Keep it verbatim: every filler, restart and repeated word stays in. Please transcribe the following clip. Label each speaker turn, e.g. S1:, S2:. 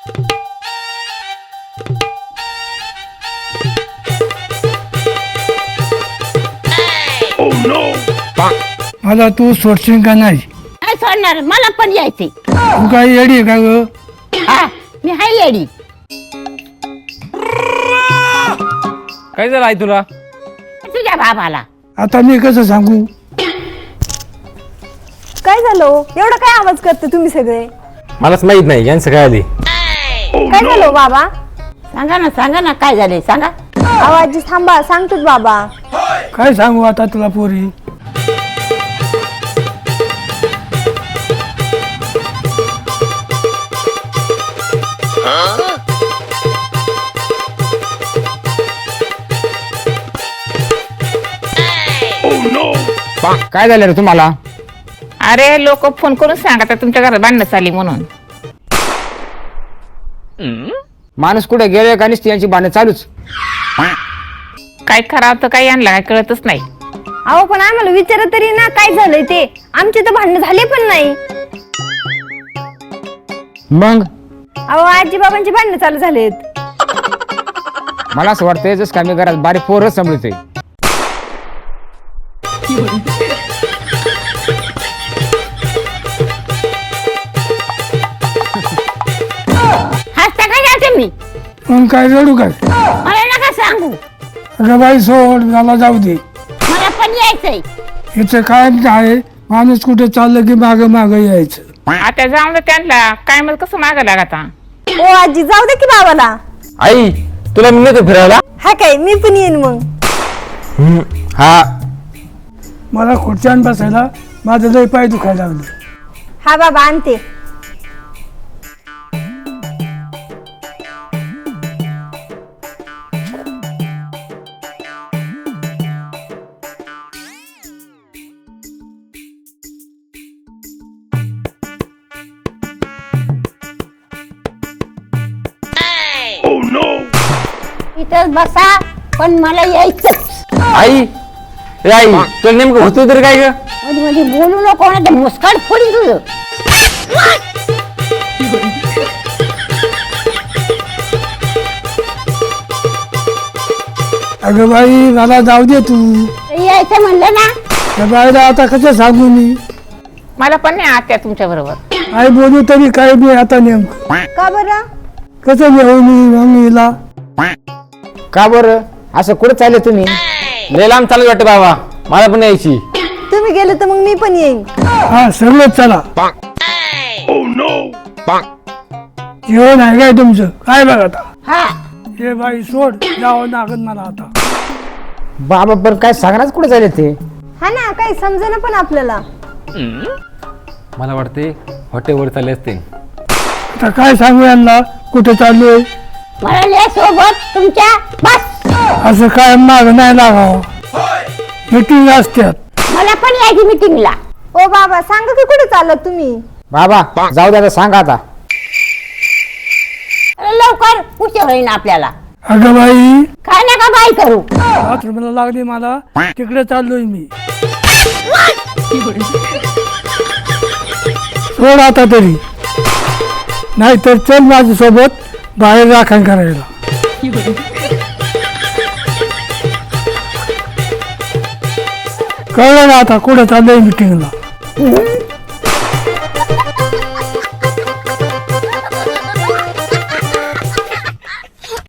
S1: मला तू सोडशील का नाही?
S2: काय सोडणार, मला पण यायचे.
S1: तू काय येडी आहे का ग?
S2: हा, मी हाय येडी.
S3: काय झालं आई तुला?
S2: तुझ्या बाबाला
S1: आता मी कसं सांगू?
S4: काय झालं? एवढा काय आवाज करते तुम्ही सगळे?
S3: मलाच माहित नाही यांचं काय आली.
S4: काय झालं बाबा?
S2: सांगा ना, सांगा ना, काय झालंय सांगा.
S4: आवाज थांबा, सांगतोच बाबा.
S1: काय सांगू आता तुला पोरी?
S3: काय झालं रे तुम्हाला?
S5: अरे लोक फोन करून सांगतात तुमच्या घरात भांडणं चालली म्हणून.
S3: माणूस कुठे गेले का नुसती यांची भांडणं चालूच.
S5: काय खराब तर काही आणला काय कळतच नाही.
S4: अहो पण आम्हाला विचारा तरी ना काय झालंय ते. आमचे तर भांडण झाले पण नाही.
S3: मग
S4: अहो आजी बाबांचे भांडण चालू झालेत.
S3: मला असं वाटतंय जस का मी घरात बारीक पोरच सांभाळतोय.
S2: हसता काय जाते मी?
S1: मग काय रडू काय?
S2: मला नका सांगू,
S1: अगं बाई सोड, मला जाऊ दे.
S2: मला पण यायचंय.
S1: याचं काय आहे, माणूस कुठे चाललं की माग माग यायचं.
S5: आता जाऊन दे त्यांना, काय मग कसं मागं लागा.
S4: ओ आजी जाऊ दे की बाबाला.
S3: आई तुला मी नेतो फिरायला.
S4: हा काय, मी पण येईन मग.
S3: हा
S1: मला खुर्च्यान बसायला माझं लय पाय दुखायला लागलं.
S4: हा बाबा आणते.
S2: इथंच बसा, पण मला यायचंच.
S3: आई ए आई तुला नेमकं होतं तरी काय ग?
S2: मध्ये मध्ये बोलू नको ना, मुस्काट फोडी तुझं.
S1: अगं बाई मला जाऊ दे तू.
S2: यायचं म्हणलं ना.
S1: त्या बाईला आता कसं सांगू मी?
S5: मला पण नाही आत्या तुमच्या बरोबर.
S1: आई बोलू तरी काय बी आता नेमकं
S4: का बरं?
S1: कसं नेऊ मी मम्मीला?
S3: का बरं असं कुठे चालले तुम्ही? लय लांब चालत वाटतं बाबा, मला पण यायची.
S4: तुम्ही गेले तर मग मी पण येईन.
S1: हा सगळंच चला. जेवण आहे काय तुमचं? काय बघ आता.
S2: हा,
S1: हे बाई सोड, जावं लागत मला आता.
S3: बाबा पण काय सांगणार कुठे चालले ते?
S4: हा ना, काही समजेना पण आपल्याला.
S3: मला वाटते हॉटेलवर चालले असते.
S1: आता काय सांगू यांना कुठे चाललोय?
S2: मला सोबत तुमच्या बस.
S1: असं काय माग नाही लागावं. मिटिंग असतात.
S2: मला पण यायची मिटिंगला.
S4: ओ बाबा सांगा की कुठे चालत तुम्ही?
S3: बाबा जाऊ द्या सांगा आता.
S2: लवकर उशीर होईन आपल्याला.
S1: अगं बाई
S2: काय नका बाई करू.
S1: बाथरूमला लागली मला, तिकडे चाललोय मी. सोड आता तरी, नाहीतर चल माझ्यासोबत बाहेर राखण करायला. कळलं ना आता कुठं चाललंय मिटिंगला?